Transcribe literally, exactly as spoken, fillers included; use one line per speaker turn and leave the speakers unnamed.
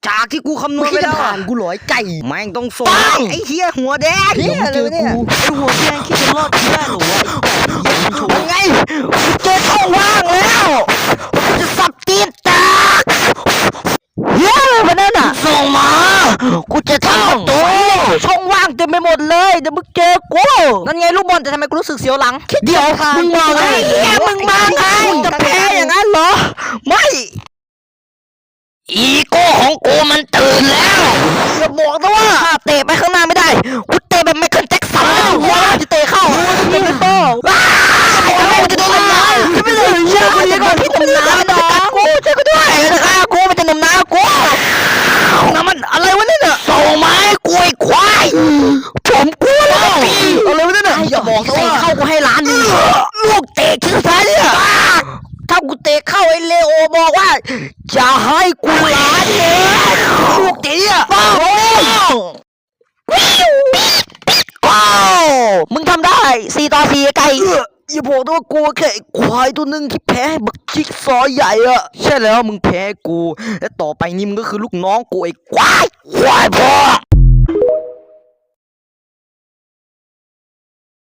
จากที่กูคำนวณไปแล้วผ่านกูหลอยไก่แม่งต้องส่งไอ้เหี้ยหัวแดงเหี้ยเลยเนี่ยไอ้หัวแดงคิดจะรอดได้หรอวะไอ้เหี้ยมันโชว์ไงกูเจอช่องว่างแล้วกูจะสับตีนแตกเหี้ยอะไรวะนั่นน่ะส่งมากูจะทำตัวช่องว่างเต็มไปหมดเลยเดี๋ยวมึงเจอกูนั่นไงลูกบอลแต่ทำไมกูรู้สึกเสียวหลังเดี๋ยวมึงมาไงมึงมาไงจะแพ้อย่างนั้นเหรอไม่อีโก้ของกูมันตื่นแล้วอย่าบอกนะว่าถ้าเตะไปข้างหน้าไม่ได้กูเตะแบบไมเคิลแจ็คสันเลยว่าจะเตะเข้าจะเป็นโต้ว้าวจะโดนน้ำจะไม่เลยเชื่อกูยังก่อนพี่หนุ่มน้ำน้องกูช่วยกูด้วยนะคะกูมันจะหนุ่มน้ำกูน้ำมันอะไรวะเนี่ยส่งไม้กูไอ้ควายผมกูแล้วอะไรวะเนี่ยอย่าบอกนะว่าเข้ากูให้ล้านนึงลูกเตะคิดสุดท้ายเนี่ยถ้ากูเตะเข้าไอ้เลโอบอกว่าจะให้กูล้านเงินลูกเตะอ่ะป้องว้าวมึงทำได้สี่ต่อสี่ไก่อย่าบอกนะว่ากูแค่ควายตัวหนึ่งที่แพ้บักจิ๊กซอใหญ่อะใช่แล้วมึงแพ้กูและต่อไปนี้มึงก็คือลูกน้องกูไอ้ควายควายพ่อ